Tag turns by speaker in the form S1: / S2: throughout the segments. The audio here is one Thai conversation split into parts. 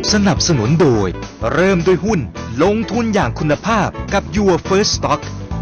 S1: สนับสนุนโดยเริ่มด้วยหุ้นลงทุนอย่างคุณภาพกับ Your First Stock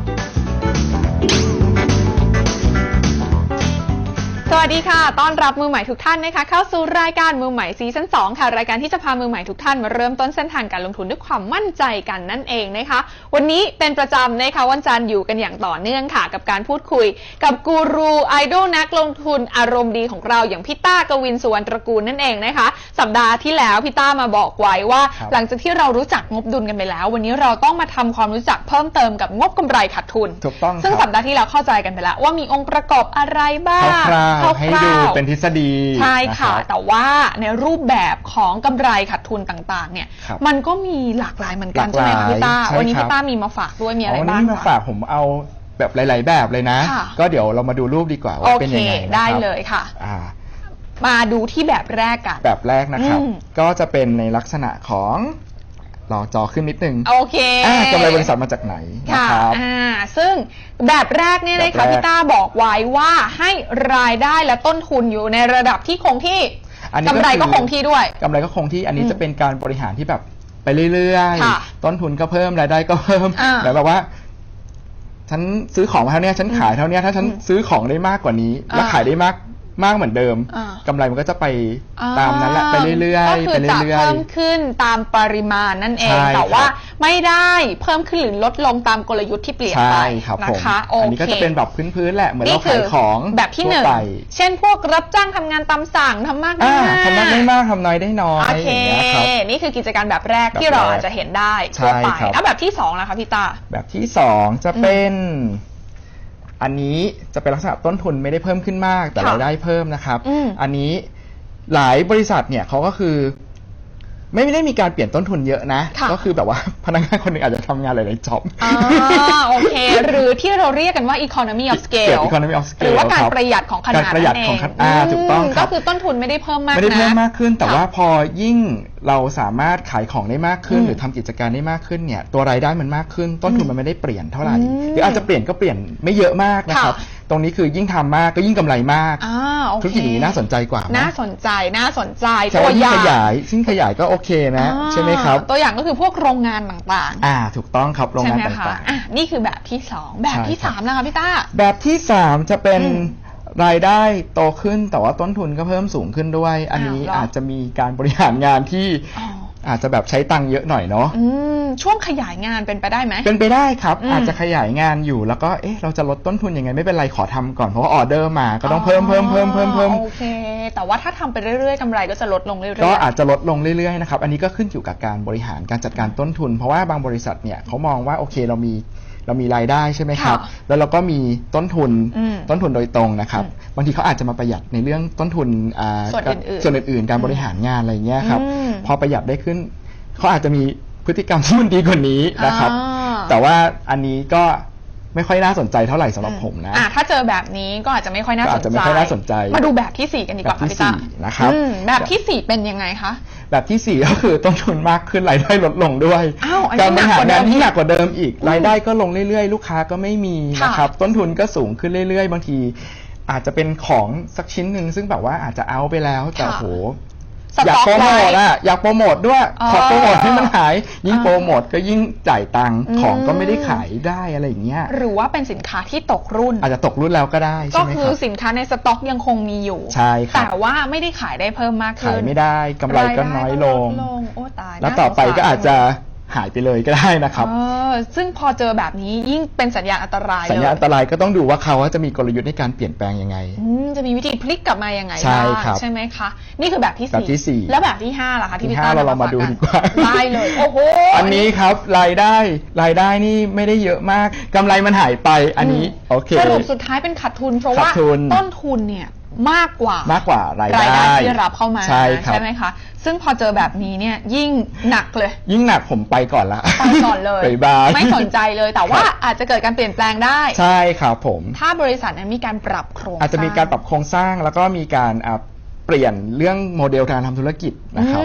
S2: สวัสดีค่ะต้อนรับมือใหม่ทุกท่านนะคะเข้าสู่รายการมือใหม่ซีซั่น2ค่ะรายการที่จะพามือใหม่ทุกท่านมาเริ่มต้นเส้นทางการลงทุนด้วยความมั่นใจกันนั่นเองนะคะวันนี้เป็นประจำนะคะวันจันทร์อยู่กันอย่างต่อเนื่องค่ะกับการพูดคุยกับกูรูไอดอลนักลงทุนอารมณ์ดีของเราอย่างพี่ต้ากวินสุวรรณตระกูลนั่นเองนะคะสัปดาห์ที่แล้วพี่ต้ามาบอกไว้ว่าหลังจากที่เรารู้จักงบดุลกันไปแล้ววันนี้เราต้องมาทำความรู้จักเพิ่มเติมกับงบกำไรขาดทุน
S3: ถูกต้อง
S2: ซึ่งสัปดาห์ที่แล้วเข้าใจกันไปแล้วว่ามีองค์ประกอบอะไรบ้าง
S3: ให้ดูเป็นทฤษฎี
S2: ใช่ค่ะแต่ว่าในรูปแบบของกำไรขาดทุนต่างๆเนี่ยมันก็มีหลากหลายเหมือนกันใช่ไหมพี่ต้าวันนี้พี่ต้ามีมาฝากด้วยมีอะไรบ้าง
S3: วันนี้มาฝากผมเอาแบบหลายๆแบบเลยนะก็เดี๋ยวเรามาดูรูปดีกว่าว่าเป็นยังไง
S2: ได้เลยค่ะมาดูที่แบบแรกกัน
S3: แบบแรกนะครับก็จะเป็นในลักษณะของรอจอขึ้นนิดนึง
S2: โอเค
S3: กำไรบริษัทมาจากไหนนะครับ
S2: ซึ่งแบบแรกเนี่ยนะคะพี่ต้าบอกไว้ว่าให้รายได้และต้นทุนอยู่ในระดับที่คงที่กำไรก็คงที่ด้วย
S3: กำไรก็คงที่อันนี้จะเป็นการบริหารที่แบบไปเรื่อยๆต้นทุนก็เพิ่มรายได้ก็เพิ่มแบบว่าฉันซื้อของมาเท่านี้ฉันขายเท่านี้ถ้าฉันซื้อของได้มากกว่านี้แล้วขายได้มากเหมือนเดิมกำไรมันก็จะไปตามนั้นแหละไปเรื่อย
S2: ๆก็คือจะเพิ่มขึ้นตามปริมาณนั่นเองแต่ว่าไม่ได้เพิ่มขึ้นหรือลดลงตามกลยุทธ์ที่เปลี่ยนไปนะคะ
S3: อันนี้ก็จะเป็นแบบพื้นๆแหละเหมือนเราขายของ
S2: แบบที่หนึ่งเช่นพวกรับจ้างทำงานตามสั่งทำมากได้มาก
S3: ทำมากได้มากทำน้อยได้น้อยอย่างเงี้ยครับ
S2: นี่คือกิจการแบบแรกที่เราอาจจะเห็นได้ทั่วไปแล้วแบบที่สองนะคะพี่ตา
S3: แบบที่สองจะเป็นอันนี้จะเป็นลักษณะต้นทุนไม่ได้เพิ่มขึ้นมากแต่รายได้เพิ่มนะครับอันนี้หลายบริษัทเนี่ยเขาก็คือไม่ได้มีการเปลี่ยนต้นทุนเยอะนะก็คือแบบว่าพนักงานคนหนึ่งอาจจะทำงานหลายๆจ็อบ
S2: โอเคหรือที่เราเรียกกันว่า economy of scale หรือว่าการประหยัดของขนาดนั่นเอง
S3: ถูกต้อง
S2: ก็คือต้นทุนไม่ได้เพิ่มมากนะ
S3: ไม่ได้เพิ่มมากขึ้นแต่ว่าพอยิ่งเราสามารถขายของได้มากขึ้นหรือทำกิจการได้มากขึ้นเนี่ยตัวรายได้มันมากขึ้นต้นทุนมันไม่ได้เปลี่ยนเท่าไหร่หรืออาจจะเปลี่ยนก็เปลี่ยนไม่เยอะมากนะครับตรงนี้คือยิ่งทำมากก็ยิ่งกำไรมากธุรกิจนี้น่าสนใจกว่า
S2: น่าสนใจตัวอย่าง
S3: ซึ่งขยายก็โอเคนะใช่ไหมครับ
S2: ตัวอย่างก็คือพวกโรงงานต่าง
S3: ๆถูกต้องครับโรงงานต่าง
S2: ๆนี่คือแบบที่2แบบที่3นะคะพี่ต้า
S3: แบบที่3จะเป็นรายได้โตขึ้นแต่ว่าต้นทุนก็เพิ่มสูงขึ้นด้วยอันนี้อาจจะมีการบริหารงานที่อาจจะแบบใช้ตังค์เยอะหน่อยเนาะ
S2: ช่วงขยายงานเป็นไปได้ไหม
S3: เป็นไปได้ครับอาจจะขยายงานอยู่แล้วก็เราจะลดต้นทุนยังไงไม่เป็นไรขอทำก่อนเพราะว่าออเดอร์มาก็ต้องเพิ่ม
S2: โอเคแต่ว่าถ้าทำไปเรื่อยๆกำไรก็จะลดลงเรื่อยๆ
S3: ก็อาจจะลดลงเรื่อยๆนะครับอันนี้ก็ขึ้นอยู่กับการบริหารการจัดการต้นทุนเพราะว่าบางบริษัทเนี่ยเขามองว่าโอเคเรามีรายได้ใช่ไหมครับแล้วเราก็มีต้นทุนโดยตรงนะครับบางทีเขาอาจจะมาประหยัดในเรื่องต้นทุนส่วนอื่นๆการบริหารงานอะไรเงี้ยครับพอประหยัดได้ขึ้นเขาอาจจะมีพฤติกรรมที่มันดีกว่านี้นะครับแต่ว่าอันนี้ก็ไม่ค่อยน่าสนใจเท่าไหร่สำหรับผมนะ
S2: ถ้าเจอแบบนี้ก็อาจจะไม่ค่อยน่าสนใจมาดูแบบที่4กันดีกว่า
S3: ค่ะพี่ต้านะครับ
S2: แบบที่4เป็นยังไงคะ
S3: แบบที่4ก็คือต้นทุนมากขึ้นรายได้ลดลงด้วยการบริหารงานที่หนักกว่าเดิมอีกรายได้ก็ลงเรื่อยๆลูกค้าก็ไม่มีนะครับต้นทุนก็สูงขึ้นเรื่อยๆบางทีอาจจะเป็นของสักชิ้นหนึ่งซึ่งแบบว่าอาจจะเอาไปแล้วแต่โหอยากโปรโมทอยากโปรโมทด้วยขอโปรโมทให้มันหายยิ่งโปรโมทก็ยิ่งจ่ายตังค์ของก็ไม่ได้ขายได้อะไรอย่างเงี้ย
S2: หรือว่าเป็นสินค้าที่ตกรุ่น
S3: อาจจะตกรุ่นแล้วก็ได้
S2: ก็คือสินค้าในสต็อกยังคงมีอยู่
S3: ใช่ครับ
S2: แต่ว่าไม่ได้ขายได้เพิ่มมากขึ้น
S3: ขายไม่ได้กำไรก็น้อยลงแล้วต่อไปก็อาจจะหายไปเลยก็ได้นะครับ
S2: ซึ่งพอเจอแบบนี้ยิ่งเป็นสัญญาณอันตราย
S3: สัญญาณอันตรายก็ต้องดูว่าเขาจะมีกลยุทธ์ในการเปลี่ยนแปลงยังไง
S2: จะมีวิธีพลิกกลับมายังไงใช่ไหมคะนี่คือแบบที่
S3: 4
S2: แล้วแบบที่5ล่ะคะที่พี่ต้า
S3: เรามาดูดีกว่า
S2: ได้เลยโอ้โห
S3: อันนี้ครับรายได้นี่ไม่ได้เยอะมากกำไรมันหายไปอันนี้โอเค
S2: สรุปสุดท้ายเป็นขาดทุนเพราะว่าต้นทุนเนี่ยมากกว่าราย
S3: ได้
S2: ที่รับเข้ามาใช่ไหมคะซึ่งพอเจอแบบนี้เนี่ยยิ่งหนักเลย
S3: ยิ่งหนักผมไปก่อนละ
S2: ไปก่อนเลยไม่สนใจเลยแต่ว่าอาจจะเกิดการเปลี่ยนแปลงได้
S3: ใช่ครับผม
S2: ถ้าบริษัทนั้นมีการปรับโครง
S3: อาจจะมีการปรับโครงสร้างแล้วก็มีการเปลี่ยนเรื่องโมเดลการทำธุรกิจนะครับ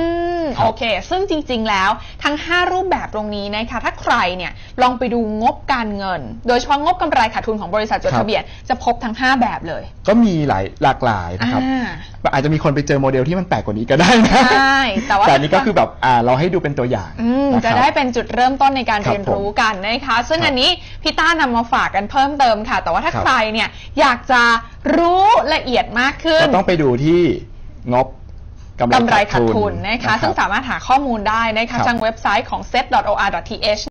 S3: ครับ
S2: โอเคซึ่งจริงๆแล้วทั้ง5รูปแบบตรงนี้นะคะถ้าใครเนี่ยลองไปดูงบการเงินโดยเฉพาะงบกำไรขาดทุนของบริษัทจดทะเบียนจะพบทั้ง5แบบเลย
S3: ก็มีหลากหลายนะครับอาจจะมีคนไปเจอโมเดลที่มันแปลกกว่านี้ก็ได้นะ
S2: ใช่แต่ว่า
S3: อันนี้ก็คือแบบเราให้ดูเป็นตัวอย่าง
S2: จะได้เป็นจุดเริ่มต้นในการเรียนรู้กันนะคะซึ่งอันนี้พี่ต้านำมาฝากกันเพิ่มเติมค่ะแต่ว่าถ้าใครเนี่ยอยากจะรู้ละเอียดมากขึ้น
S3: ก็ต้องไปดูที่งบกำไรขาดทุน
S2: นะคะซึ่งสามารถหาข้อมูลได้นะคะทางเว็บไซต์ของ set.or.th